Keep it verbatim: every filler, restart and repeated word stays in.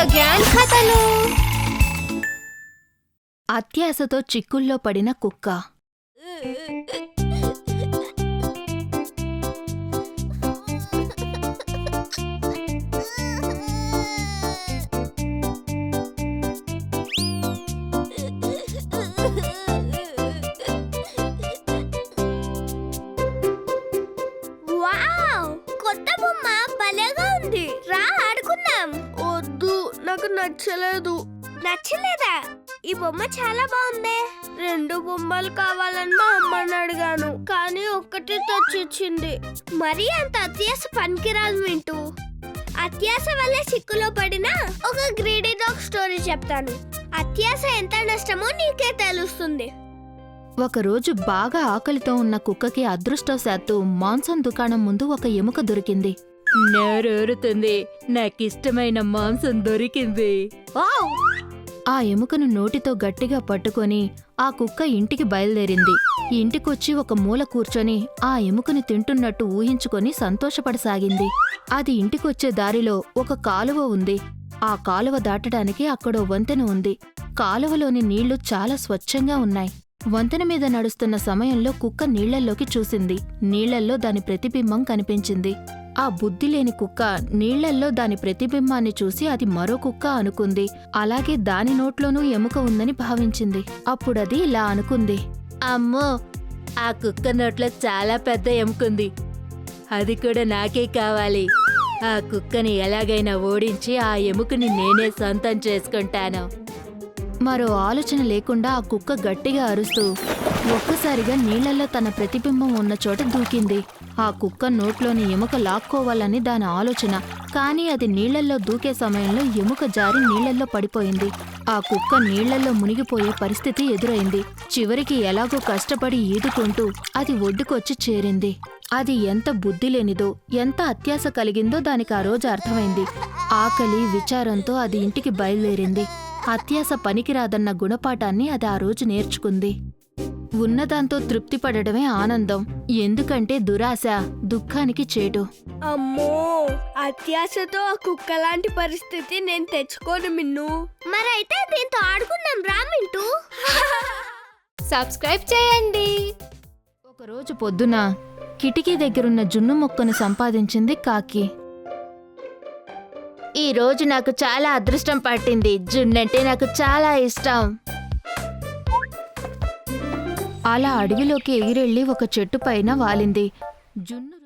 Radio grand కథలు. అత్యాశతో చిక్కుల్లో పడిన కుక్క. వావ్, కొత్త బొమ్మ భలేగా ఉంది. రా ఆడుకుందాం. వద్దు, నాకు నచ్చలేదు. నచ్చలేదా? ఈ బొమ్మ చాలా బాగుందే. రెండు బొమ్మలు కావాలని మా అమ్మని అడిగాను, కానీ ఒక్కటి తెచ్చిచ్చింది. మరీ అంత అత్యాశ పనికిరాదు వింటూ. అత్యాశ వల్ల చిక్కులో పడిన ఒక గ్రీడీ డాగ్ స్టోరీ చెప్తాను. అత్యాశ ఎంత నష్టమో నీకే తెలుస్తుంది. ఒకరోజు బాగా ఆకలితో ఉన్న కుక్కకి అదృష్టవశాత్తు మాంసం దుకాణం ముందు ఒక ఎముక దొరికింది. నోరూరుతుంది, నాకిష్టమైన మాంసం దొరికింది. ఆ ఎముకను నోటితో గట్టిగా పట్టుకొని ఆ కుక్క ఇంటికి బయలుదేరింది. ఇంటికొచ్చి ఒక మూల కూర్చొని ఆ ఎముకని తింటున్నట్టు ఊహించుకొని సంతోషపడసాగింది. అది ఇంటికొచ్చే దారిలో ఒక కాలువ ఉంది. ఆ కాలువ దాటడానికి అక్కడో వంతెన ఉంది. కాలువలోని నీళ్లు చాలా స్వచ్ఛంగా ఉన్నాయి. వంతెన మీద నడుస్తున్న సమయంలో కుక్క నీళ్లల్లోకి చూసింది. నీళ్లల్లో దాని ప్రతిబింబం కనిపించింది. ఆ బుద్ధిలేని కుక్క నీళ్లల్లో దాని ప్రతిబింబాన్ని చూసి అది మరో కుక్క అనుకుంది. అలాగే దాని నోట్లోనూ ఎముక ఉందని భావించింది. అప్పుడది ఇలా అనుకుంది, అమ్మో, ఆ కుక్క నోట్లో చాలా పెద్ద ఎముకుంది. అది కూడా నాకే కావాలి. ఆ కుక్కని ఎలాగైనా ఓడించి ఆ ఎముకని నేనే సొంతం చేసుకుంటాను. మరో ఆలోచన లేకుండా ఆ కుక్క గట్టిగా అరుస్తూ ఒక్కసారిగా నీళ్లలో తన ప్రతిబింబం ఉన్న చోట దూకింది. ఆ కుక్క నోట్లోని ఎముక లాక్కోవాలని దాని ఆలోచన. కానీ అది నీళ్లల్లో దూకే సమయంలో ఎముక జారి నీళ్లల్లో పడిపోయింది. ఆ కుక్క నీళ్లల్లో మునిగిపోయే పరిస్థితి ఎదురైంది. చివరికి ఎలాగో కష్టపడి ఈదుకుంటూ అది ఒడ్డుకొచ్చి చేరింది. అది ఎంత బుద్ధిలేనిదో, ఎంత అత్యాశ కలిగిందో దానికి ఆ రోజు అర్థమైంది. ఆకలి విచారంతో అది ఇంటికి బయలుదేరింది. అత్యాశ పనికిరాదన్న గుణపాఠాన్ని అది ఆ రోజు నేర్చుకుంది. ఉన్నదాంతో తృప్తి పడడమే ఆనందం, ఎందుకంటే దురాశ దుఃఖానికి చేటు. అమ్మో, అత్యాశతో ఆ కుక్క లాంటి పరిస్థితి నేను తెచ్చుకోను మిన్ను. మరైతే దీంతో ఆడుకుందాం రా మింటూ. సబ్స్క్రైబ్ చేయండి. ఒకరోజు పొద్దున కిటికీ దగ్గరున్న జున్ను మొక్కను సంపాదించింది కాకి. ఈ రోజు నాకు చాలా అదృష్టం పట్టింది. జున్నంటే నాకు చాలా ఇష్టం. అలా అడవిలోకి ఎగిరెళ్లి ఒక చెట్టు పైన వాలింది. జున్ను